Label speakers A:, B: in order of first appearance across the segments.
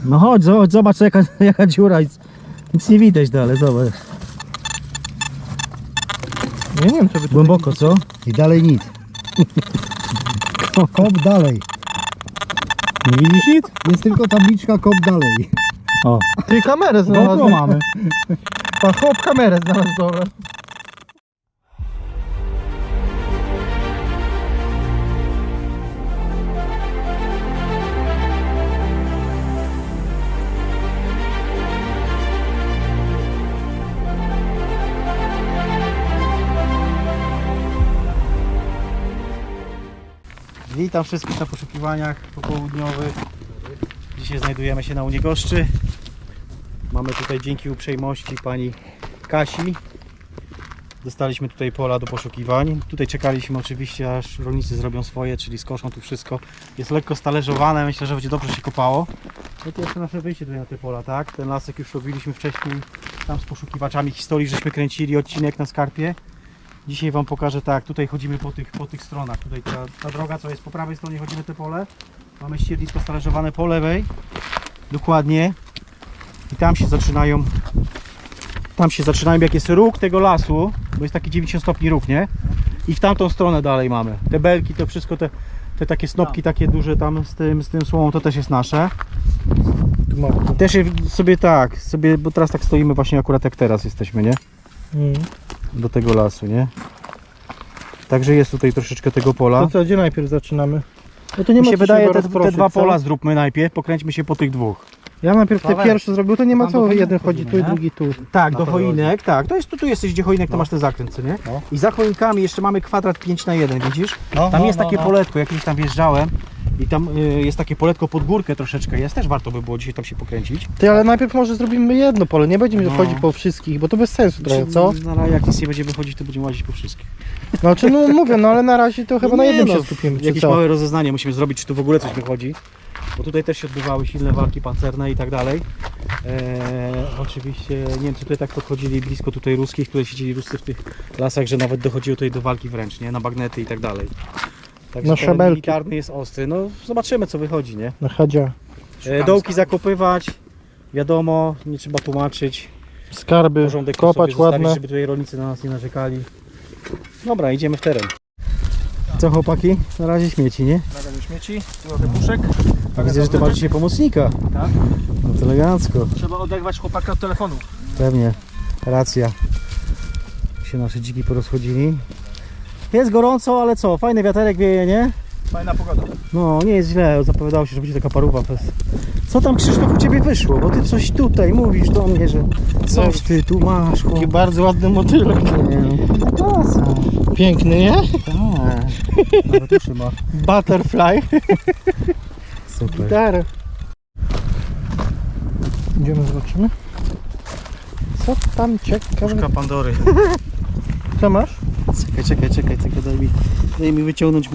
A: No chodź, zobacz jaka dziura. Nic nie widać dalej, zobacz.
B: Ja nie wiem, co by tu
A: Głęboko, co?
C: I dalej nic. Kop dalej.
A: Nie widzisz nic?
C: Jest tylko tabliczka kop dalej.
A: O.
B: Ty kamerę
A: GoPro
B: znalazłem.
A: mamy.
B: Pan chłop kamerę znalazł, dobra.
A: Witam wszystkich na poszukiwaniach popołudniowych. Dzisiaj znajdujemy się na Uniegoszczy. Mamy tutaj dzięki uprzejmości pani Kasi. Dostaliśmy tutaj pola do poszukiwań. Tutaj czekaliśmy oczywiście, aż rolnicy zrobią swoje, czyli skoszą tu wszystko. Jest lekko stalerzowane, myślę, że będzie dobrze się kopało. No to jeszcze nasze wyjście tutaj na te pola, tak? Ten lasek już robiliśmy wcześniej tam z poszukiwaczami historii, żeśmy kręcili odcinek na skarpie. Dzisiaj wam pokażę, tak, tutaj chodzimy po tych stronach. Tutaj ta droga, co jest po prawej stronie, chodzimy te pole. Mamy ściernisko stalerzowane po lewej. Dokładnie. I tam się zaczynają, jak jest róg tego lasu, bo jest taki 90 stopni róg, nie? I w tamtą stronę dalej mamy. Te belki, to wszystko, te takie snopki takie duże tam z tym słomą, to też jest nasze. I też sobie, bo teraz tak stoimy właśnie akurat jak teraz jesteśmy, nie? Do tego lasu, nie? Także jest tutaj troszeczkę tego pola.
B: To co, gdzie najpierw zaczynamy? No to nie
A: Mi
B: ma
A: się
B: co
A: wydaje,
B: chyba
A: te
B: rozproszyć,
A: dwa
B: co?
A: pola zróbmy najpierw, pokręćmy się po tych dwóch.
B: Ja najpierw te
A: Dawaj.
B: pierwsze zrobił, to nie ma
A: Tam
B: co,
A: do
B: jeden
A: choinek
B: chodzi tu i
A: chodzimy,
B: drugi tu.
A: Tak,
C: Na
A: do
C: to
A: choinek, tak. To jest tu jesteś, gdzie choinek, to masz ten zakręt, co nie?
C: No.
A: I za choinkami jeszcze mamy kwadrat 5×1, widzisz?
C: No,
A: Tam
C: no,
A: jest
C: no,
A: takie
C: no.
A: poletko, jakieś tam wjeżdżałem. I tam jest takie poletko pod górkę troszeczkę jest, też warto by było dzisiaj tam się pokręcić.
B: Ty, ale najpierw może zrobimy jedno pole, nie będziemy
A: No.
B: chodzić po wszystkich, bo to bez sensu trochę, co?
A: Na razie jak nic nie będziemy chodzić, to będziemy łazić po wszystkich.
B: Znaczy, no mówię, no ale na razie to chyba na jednym się skupimy, czy
A: Jakieś
B: co?
A: małe rozeznanie musimy zrobić, czy tu w ogóle coś wychodzi. Bo tutaj też się odbywały silne walki pancerne i tak dalej. Oczywiście Niemcy tutaj tak podchodzili blisko tutaj ruskich, które siedzieli Ruscy w tych lasach, że nawet dochodziło tutaj do walki wręcz, nie? Na bagnety i tak dalej. Także
B: Na
A: teren
B: szabelki.
A: militarny jest ostry. No zobaczymy, co wychodzi, nie?
B: Na chadzia.
A: Dołki zakopywać, wiadomo, nie trzeba tłumaczyć.
B: Skarby,
A: Porządek
B: kopać
A: sobie zostawić,
B: ładne.
A: żeby tutaj rolnicy na nas nie narzekali. Dobra, idziemy w teren. Co chłopaki? Na razie śmieci, nie?
B: Na razie śmieci, trochę puszek.
A: Widzę, że ty masz dzisiaj pomocnika.
B: Tak.
A: No to elegancko.
B: Trzeba oderwać chłopaka od telefonu.
A: Pewnie, racja. Się nasze dziki porozchodzili. Jest gorąco, ale co? Fajny wiaterek wieje, nie?
B: Fajna pogoda.
A: No, nie jest źle. Zapowiadało się, że będzie taka paruwa. Co tam, Krzysztof, u ciebie wyszło? Bo ty coś tutaj mówisz do mnie, że coś ty tu masz.
B: Taki bardzo ładny motylek. Piękny, nie?
A: Tak. Nawet uszy ma.
B: Butterfly.
A: Super.
B: Gitarę. Idziemy, zobaczymy. Co tam ciekawe?
A: Puszka Pandory.
B: Co masz?
A: Czekaj, daj mi wyciągnąć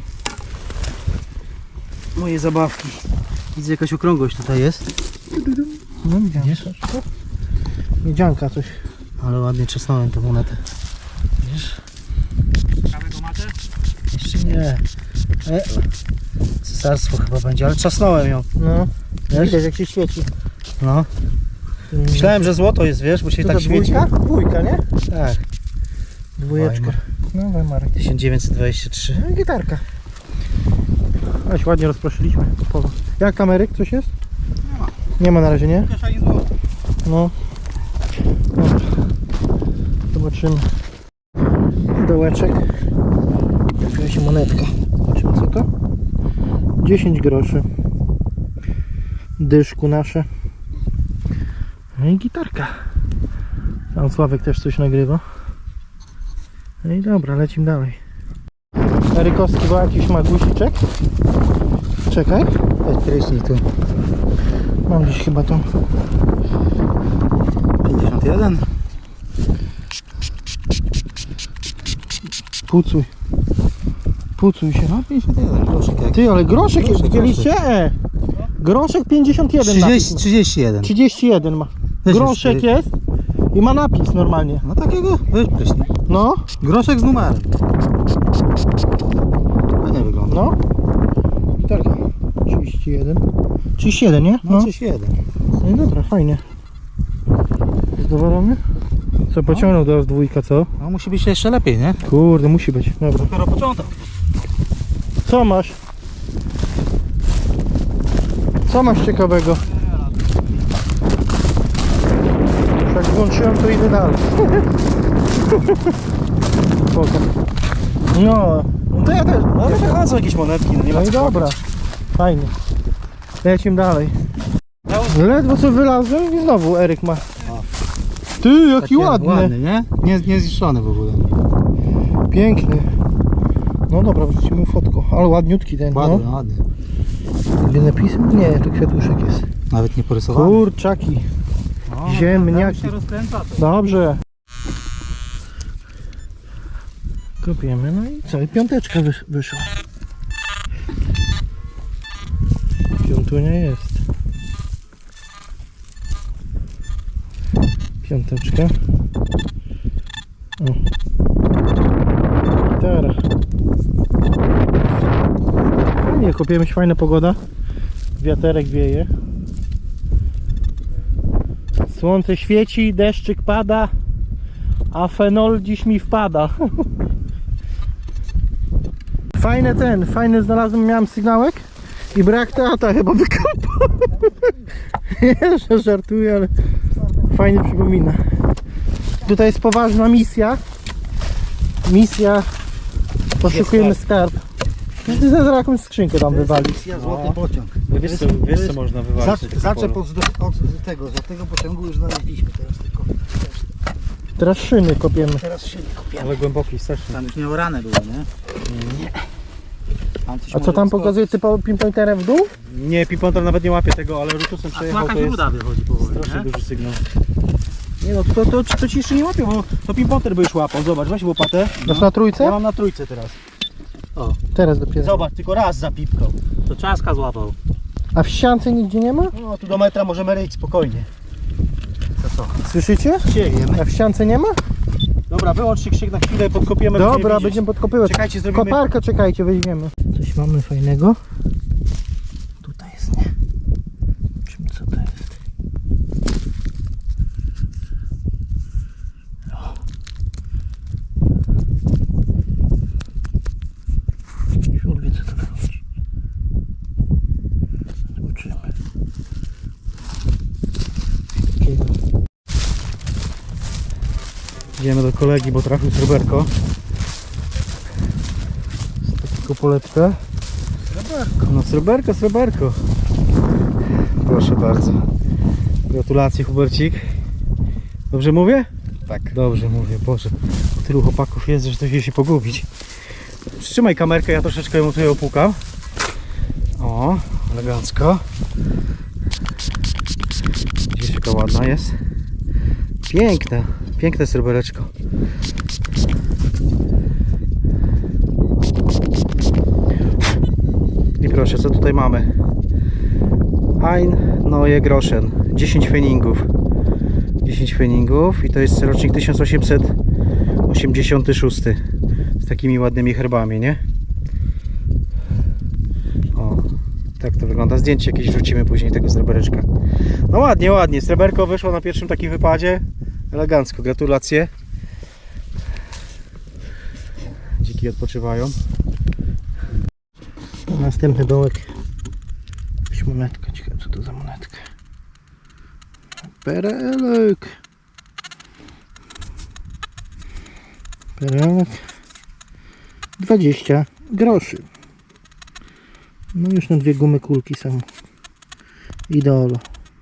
A: moje zabawki. Widzę, jakaś okrągłość tutaj jest.
B: No widzisz? Miedzianka coś.
A: Ale ładnie czesnąłem tę monetę. Widzisz?
B: Ciekawego matę?
A: Jeszcze nie. Cesarstwo chyba będzie, ale czasnąłem ją.
B: No.
A: Wiesz?
B: Widać jak się świeci.
A: No. Myślałem, że złoto jest, wiesz, bo się
B: To
A: tak
B: to
A: świeci.
B: dwójka? Dwójka, nie?
A: Tak.
B: Dwójeczka.
A: Weimar.
B: No Weimar.
A: 1923.
B: No i gitarka. Aś ładnie rozproszyliśmy to pole. Jak kameryk? Coś jest? Nie ma. Nie ma na razie, nie? No. Dobra. Zobaczymy. Dołeczek. Jakaś monetka. Zobaczymy co to? 10 groszy. Dyszku nasze. No i gitarka. Tam Sławek też coś nagrywa. No i dobra, lecimy dalej. Erykowski, bo jakiś ma guziczek. Czekaj.
C: Prysznic tu.
B: Mam gdzieś chyba to.
A: 51.
B: Pucuj. Pucuj się.
C: No 51, groszek jak.
B: Ty, ale groszek jest,
C: Groszek,
B: widzieliście? Groszek 51 napis.
C: 31.
B: 31 ma.
C: Weź
B: Groszek
C: już,
B: jest i ma napis normalnie.
C: No takiego, weź prysznic.
B: No,
C: Groszek z numerem. Fajnie wygląda.
B: no. Gitarka. 31. 37, nie?
C: No, 31.
B: No i dobra, fajnie. Zadowolony? Co, pociągnął do dwójka, co?
C: No musi być jeszcze lepiej, nie?
B: Kurde, musi być. Dobra.
C: Dopiero początek.
B: Co masz? Co masz ciekawego? Jak włączyłem, to idę dalej. Spoko. No to ja też.
A: No ale wychodzą jakieś monetki, no nie ma
B: No i
A: co
B: dobra.
A: płakać.
B: Fajnie. Lecimy dalej. Ledwo co wylazłem i znowu Eryk ma. Ty, jaki
C: Taki
B: ładny.
C: nie? Nie zniszczony w ogóle.
B: Piękny. No dobra, wrzucimy fotko. Ale ładniutki ten,
C: Ładny,
B: no.
C: ładny.
B: Gdzie napisem? Nie, to kwiatuszek jest.
C: Nawet nie porysowany.
B: Kurczaki.
C: No,
B: ziemniaki.
C: tam się rozkręca to.
B: Dobrze. Kopiemy, no i co? I piąteczka wyszła. Piątunia jest. Piąteczka. O. Gitara. Fajnie, kopiemy się, fajna pogoda. Wiaterek wieje. Słońce świeci, deszczyk pada, a fenol dziś mi wpada. Fajny znalazłem, miałem sygnałek i brak tata chyba wykopał. Nie, że żartuję, ale fajnie przypomina. Tutaj jest poważna misja. Poszukujemy skarb. Zaraz jakąś skrzynkę tam wywalić.
C: Złoty pociąg.
A: Wiesz co można wywalić?
C: Zaczep od tego złotego pociągu już znaleźliśmy teraz tylko.
B: Teraz szyny kopiemy.
C: Teraz się kopiemy.
A: Ale głęboki strasznie.
C: Tam już nie orane było, nie? Tam coś
B: A co
C: może
B: tam
C: wyskoczyć.
B: pokazuje typowo pinpointerem w dół?
A: Nie, Piponter nawet nie łapie tego, ale rutusem przejechał, to jest
C: wychodzi powoli,
A: strasznie duży sygnał. Nie no, to ci jeszcze nie łapią, bo to Piponter by już łapał. Zobacz, weź łopatę.
B: Masz na trójce?
A: Ja mam na trójce teraz.
B: Teraz dopiero.
A: Zobacz, tylko raz zapipkał.
C: To czaska złapał.
B: A w ściance nigdzie nie ma?
A: No, tu do metra możemy ryć spokojnie. Co?
B: Słyszycie?
A: Siejemy.
B: A w ściance nie ma?
A: Dobra, wyłącz krzyk na chwilę, podkopiemy.
B: Dobra, będziemy podkopywać.
A: Czekajcie, zrobimy...
B: Koparkę czekajcie, weźmiemy. Coś mamy fajnego. Tutaj jest, nie? Czym co to jest? O. Siul wie, co to wychodzi. Zobaczymy. Takiego.
A: Idziemy do kolegi, bo trafił sreberko.
B: Takiego poletkę.
A: No sreberko. Proszę bardzo. Gratulacje, Hubercik. Dobrze mówię?
C: Tak.
A: Dobrze mówię, Boże. Tylu chłopaków jest, że to się pogubić. Przytrzymaj kamerkę, ja troszeczkę ją tutaj opłukam. O, elegancko. Gdzieś jaka ładna jest. Piękne srebereczko. I proszę, co tutaj mamy? Ein Neue Groschen, 10 feningów. 10 feningów i to jest rocznik 1886 z takimi ładnymi herbami, nie? O, tak to wygląda. Zdjęcie jakieś wrzucimy później tego srebereczka. No ładnie. Sreberko wyszło na pierwszym takim wypadzie. Elegancko, gratulacje. Dziki odpoczywają.
B: Następny dołek. Jakaś monetka. Ciekawe, co to za monetka. Perelek. Perelek. 20 groszy. No już na dwie gumy kulki są. Ideolo.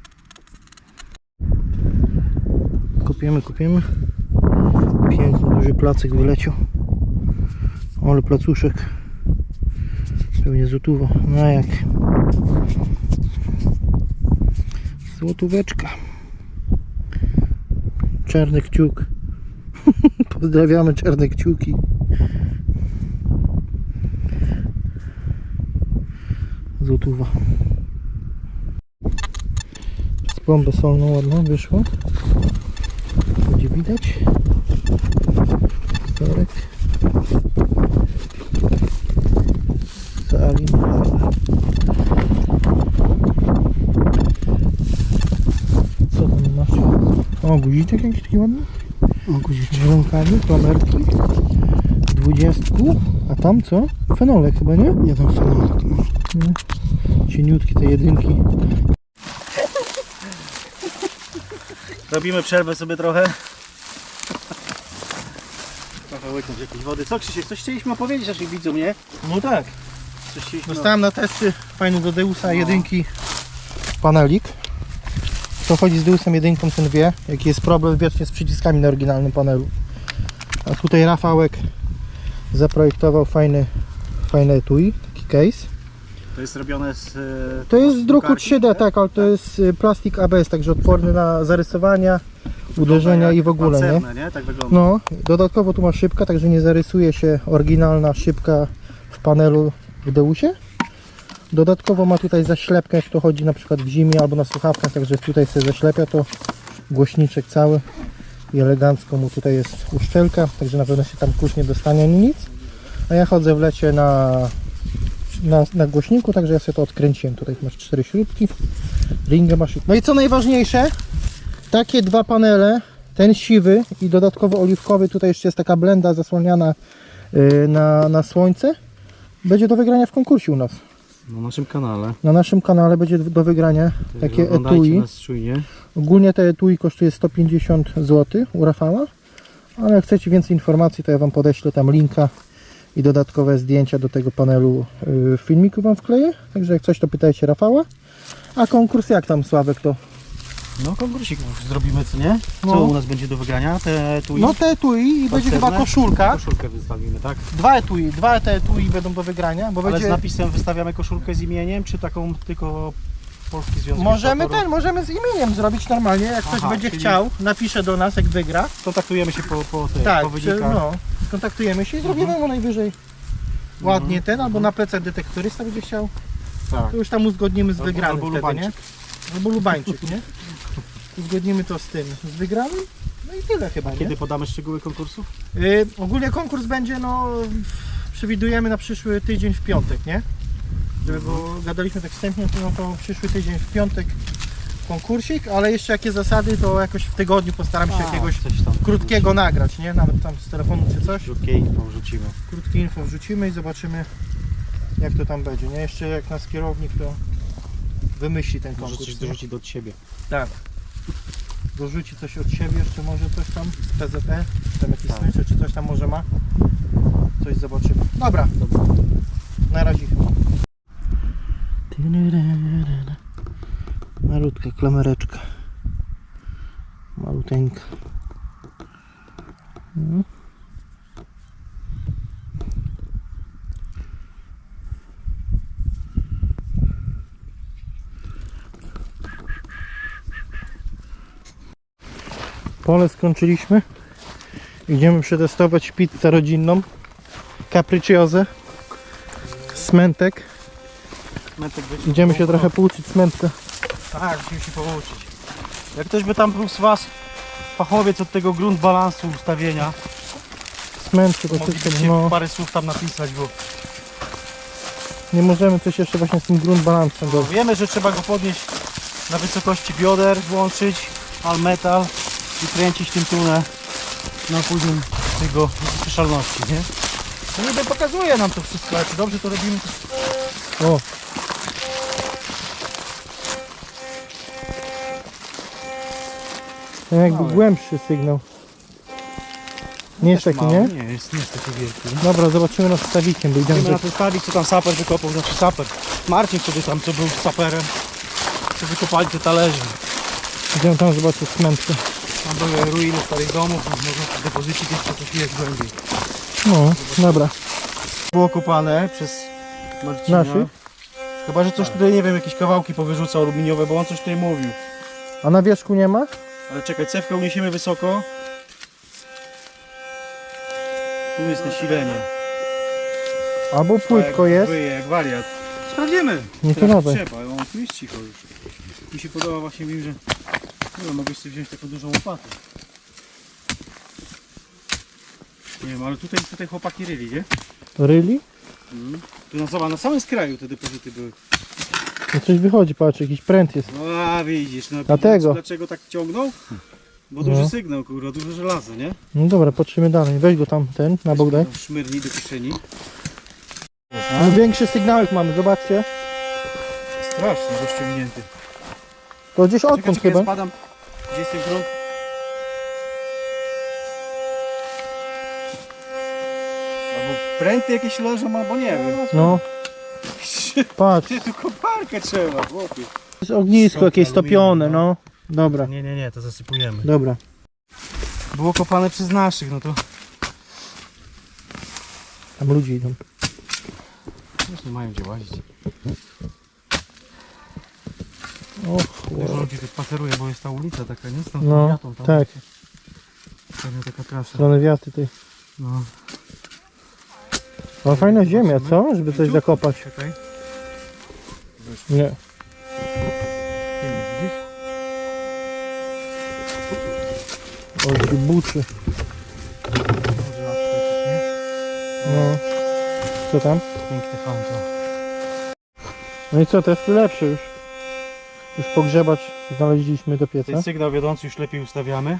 B: Kopiemy. Piękny, duży placek wyleciał. Ale placuszek. Pewnie złotówo. No jak? Złotóweczka. Czarny kciuk. Pozdrawiamy czarne kciuki. Złotówa. Z plombę solną ładną wyszło. Będzie widać. Korek. Salin. Co tam masz? O, guziczek jakiś taki ładny.
C: O, guziczek.
B: Żonkami, klamerki. 20. A tam co? Fenolek chyba, nie?
C: Nie tam fenomen.
B: Nie. Cieniutkie te jedynki.
A: Robimy przerwę sobie trochę. Trochę łyknąć jakiejś wody. Co Krzysiek, coś chcieliśmy opowiedzieć naszych widzom, nie?
B: No tak.
A: Coś chcieliśmy...
B: Dostałem na testy fajny do Deusa jedynki panelik. Kto chodzi z Deusem jedynką, ten wie, jaki jest problem wiecznie z przyciskami na oryginalnym panelu. A tutaj Rafałek zaprojektował fajny etui, taki case.
A: To jest robione z...
B: To jest z druku
A: drukarki,
B: 3D, tak, ale to jest plastik ABS, także odporny na zarysowania, uderzenia i w ogóle, nie?
A: Pancerne, nie? Tak wygląda.
B: No, dodatkowo tu ma szybka, także nie zarysuje się oryginalna szybka w panelu w Deusie. Dodatkowo ma tutaj zaślepkę, jak to chodzi na przykład w zimie albo na słuchawkach, także tutaj sobie zaślepia to głośniczek cały i elegancko mu tutaj jest uszczelka, także na pewno się tam kurz nie dostanie ani nic. A ja chodzę w lecie na głośniku, także ja sobie to odkręciłem. Tutaj masz 4 śrubki, ringę masz. No i co najważniejsze, takie dwa panele, ten siwy i dodatkowo oliwkowy, tutaj jeszcze jest taka blenda zasłaniana na słońce, będzie do wygrania w konkursie u nas.
A: Na naszym kanale.
B: Na naszym kanale będzie do wygrania takie etui.
A: Nas czujnie.
B: Ogólnie te etui kosztuje 150 zł u Rafała, ale jak chcecie więcej informacji, to ja Wam podeślę tam linka i dodatkowe zdjęcia do tego panelu w filmiku Wam wkleję. Także jak coś, to pytajcie Rafała. A konkurs jak tam, Sławek, to?
A: No konkursik zrobimy, co nie? Co
B: No.
A: u nas będzie do wygrania? Te etui?
B: No te etui i będzie
A: Pasterne?
B: chyba koszulka.
A: Koszulkę wystawimy, tak?
B: Dwa te etui będą do wygrania, bo
A: Ale
B: będzie...
A: z napisem wystawiamy koszulkę z imieniem, czy taką tylko Polski Związek Ilustratorów?
B: Możemy z imieniem zrobić normalnie, jak ktoś
A: Aha,
B: będzie
A: czyli-
B: chciał, napisze do nas, jak wygra.
A: Kontaktujemy się po
B: Tak,
A: wynikach.
B: no, skontaktujemy się i zrobimy mu najwyżej ładnie ten, albo na plecach detektorysta będzie chciał,
A: Tak.
B: to już tam uzgodnimy z
A: Albo-
B: wygranym
A: albo
B: wtedy, nie?
A: Lubańczyk.
B: Albo Lubańczyk, nie? Uzgodnimy to z tym, z wygranym, no i tyle chyba, nie?
A: Kiedy podamy szczegóły konkursów?
B: Ogólnie konkurs będzie, no, przewidujemy na przyszły tydzień w piątek, nie? Żeby, bo gadaliśmy tak wstępnie, no to przyszły tydzień w piątek konkursik, ale jeszcze jakie zasady, to jakoś w tygodniu postaram się jakiegoś
A: coś tam
B: krótkiego nagrać, nie? Nawet tam z telefonu czy coś.
A: Krótkie info wrzucimy.
B: Krótkie info wrzucimy i zobaczymy, jak to tam będzie, nie? Jeszcze jak nas kierownik to wymyśli ten
A: Może
B: konkurs.
A: coś
B: nie?
A: dorzucić od siebie.
B: Tak. Dorzuci coś od siebie, jeszcze może coś tam z PZP, tam jakieś
A: Tak.
B: smycze czy coś tam może ma. Coś zobaczymy. Dobra, na razie. Malutka klamereczka. Maluteńka. No. Pole skończyliśmy. Idziemy przetestować pizzę rodzinną. Capricciose. Smętek. Idziemy się trochę pouczyć smętka.
A: Tak, musimy się pouczyć. Jak ktoś by tam był z Was fachowiec od tego grunt balansu ustawienia,
B: Smętki
A: to
B: to
A: moglibyście
B: wszystko, no.
A: parę słów tam napisać, bo
B: Nie możemy coś jeszcze właśnie z tym grunt balansem do...
A: wiemy, że trzeba go podnieść na wysokości bioder, włączyć all metal i kręcić tym tunę na poziom tego słyszalności, nie?
B: No niby pokazuje nam to wszystko, ale czy dobrze to robimy? O! To jakby
A: Mały.
B: głębszy sygnał. Nie jest taki,
A: Mały,
B: nie?
A: Nie jest taki wielki. Nie?
B: Dobra, zobaczymy nad stawikiem, bo idziemy
A: Idziemy
B: do...
A: na ten stawik, co tam saper wykopał, znaczy saper. Marcin wtedy tam, co był saperem, co wykopali te talerze.
B: Idziemy tam zobaczyć smętkę.
A: Tam były ruiny starych domów, tam można w depozycie jeszcze coś jest głębiej.
B: No, dobra.
A: Było kopane przez Marcina.
B: Naszych?
A: Chyba, że coś tutaj, nie wiem, jakieś kawałki powyrzucał aluminiowe, bo on coś tutaj mówił.
B: A na wierzchu nie ma?
A: Ale czekaj, cewkę uniesiemy wysoko. Tu jest nasilenie.
B: Albo płytko
A: jak
B: jest.
A: Wyje, jak wariat. Sprawdzimy.
B: Nie to
A: Teraz
B: nowe.
A: trzeba, ale on tu jest cicho już. Mi się podoba właśnie, wiem, że nie wiem, mogłeś sobie wziąć taką dużą łopatę. Nie wiem, ale tutaj chłopaki ryli, nie?
B: Ryli?
A: Tu na samym skraju te depozyty były.
B: No coś wychodzi, patrz, jakiś pręt jest.
A: No a widzisz, no
B: Dlatego.
A: dlaczego tak ciągnął? Bo
B: No.
A: duży sygnał, kurwa, duże żelazo, nie?
B: No dobra, patrzymy dalej. Weź go tam, na bok daj.
A: Szmyrni do kieszeni.
B: No, większy sygnałek mamy, zobaczcie.
A: Strasznie rozciągnięty.
B: To gdzieś
A: Czekaj,
B: odtąd
A: czekaj,
B: chyba.
A: ja spadam. Gdzie jest ten grunt? Albo pręty jakieś leżą, albo nie wiem.
B: No, patrz.
A: Ty tu koparkę trzeba, chłopie.
B: Jest ognisko
A: Sok
B: jakieś stopione,
A: aluminium,
B: no. Dobra,
A: Nie, to zasypujemy.
B: dobra.
A: Było kopane przez naszych, no to
B: Tam ludzie idą.
A: już nie mają gdzie łazić.
B: Och,
A: Dużo ludzi tu spaceruje, bo jest ta ulica taka, nie? Z tą
B: no,
A: wiatą tam.
B: tak.
A: Pewnie taka
B: W
A: trasa.
B: stronę wiaty tej.
A: No.
B: O, fajna ziemia, co? Żeby coś zakopać.
A: Czekaj.
B: Nie.
A: Widzisz?
B: O, ci buczy. No. Co tam?
A: Piękny fanto.
B: No i co, to jest lepsze już. Już pogrzebać znaleźliśmy do pieca.
A: Ten sygnał wiodący już lepiej ustawiamy.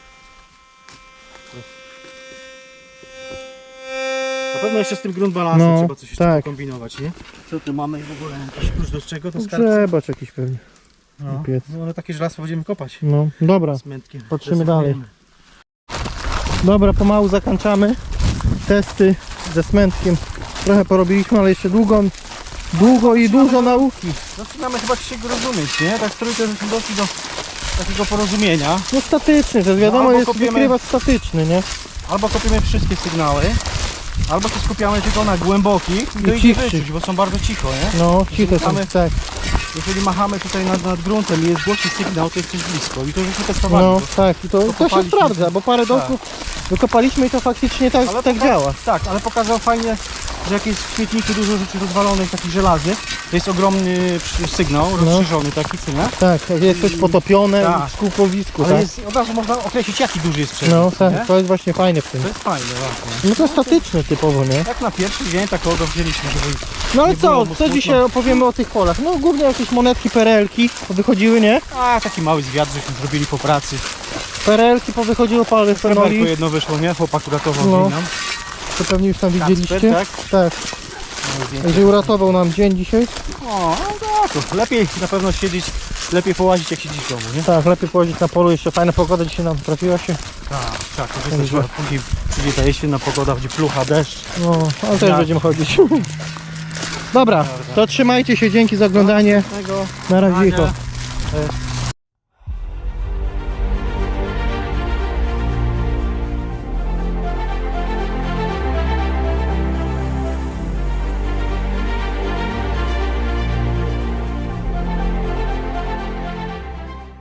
A: Na pewno jeszcze z tym grunt balansem
B: No,
A: trzeba coś jeszcze
B: tak.
A: kombinować, nie? Co tu mamy w ogóle? Jakiś klucz do czego? Do skarbca?
B: Grzebacz jakiś pewnie.
A: No,
B: piec.
A: no ale takie żelazko będziemy kopać.
B: No, dobra.
A: Z mętkiem.
B: Patrzymy
A: Zasypujemy.
B: dalej. Dobra, pomału zakończamy testy ze smętkiem. Trochę porobiliśmy, ale jeszcze długo i dużo nauki.
A: Zaczynamy chyba się rozumieć, nie? Tak trójkę żeśmy doszli do takiego porozumienia.
B: No statyczny, to wiadomo
A: No, albo
B: jest
A: kopiemy-
B: wykrywacz statyczny, nie?
A: Albo kopiemy wszystkie sygnały, albo się skupiamy tylko na głębokich i to idzie
B: cichszych.
A: wyczuć, bo są bardzo cicho, nie?
B: No, ciche są,
A: Mamy-
B: tak.
A: Jeżeli machamy tutaj nad gruntem i jest głośny sygnał, to jest coś blisko i to żeśmy testowali.
B: No,
A: bo-
B: tak. I to się
A: Pokopaliśmy.
B: sprawdza, bo parę domków wykopaliśmy i to faktycznie tak,
A: Ale
B: tak działa.
A: Tak, ale pokazał fajnie, że jak jest w śmietniku dużo rzeczy rozwalonych, takich żelaznych, to jest ogromny sygnał, rozszerzony taki, co nie?
B: Tak, jak jest coś potopione
A: Tak.
B: w szkółkowisku,
A: Ale
B: tak?
A: jest, od razu można określić, jaki duży jest przewód,
B: No,
A: nie?
B: tak, to jest właśnie fajne w tym.
A: To jest fajne właśnie.
B: No to statyczny typowo, nie?
A: Jak na pierwszy dzień takiego wzięliśmy, żeby...
B: No ale
A: Nie było
B: co,
A: mu
B: co
A: smutno.
B: dzisiaj opowiemy o tych polach? No głównie jakieś monetki, perelki wychodziły, nie?
A: A, taki mały zwiat, żeśmy zrobili po pracy.
B: Perelki powychodziło, parę
A: Sreberko
B: fenoli,
A: jedno wyszło, nie? Chłopak uratował
B: No.
A: dzień nam.
B: to pewnie już tam widzieliście.
A: Kacper, tak?
B: Tak, także uratował nam dzień dzisiaj.
A: O, no to lepiej na pewno siedzieć, lepiej połazić jak siedzieć w domu, nie?
B: Tak, lepiej położyć na polu, jeszcze fajna pogoda dzisiaj nam trafiła się.
A: Tak, to jest też, później przyjdzie ta jesienna pogoda, będzie plucha, deszcz.
B: No, ale też
A: Tak.
B: będziemy chodzić. Dobra, to trzymajcie się, dzięki za oglądanie. Na razie.
A: Ania.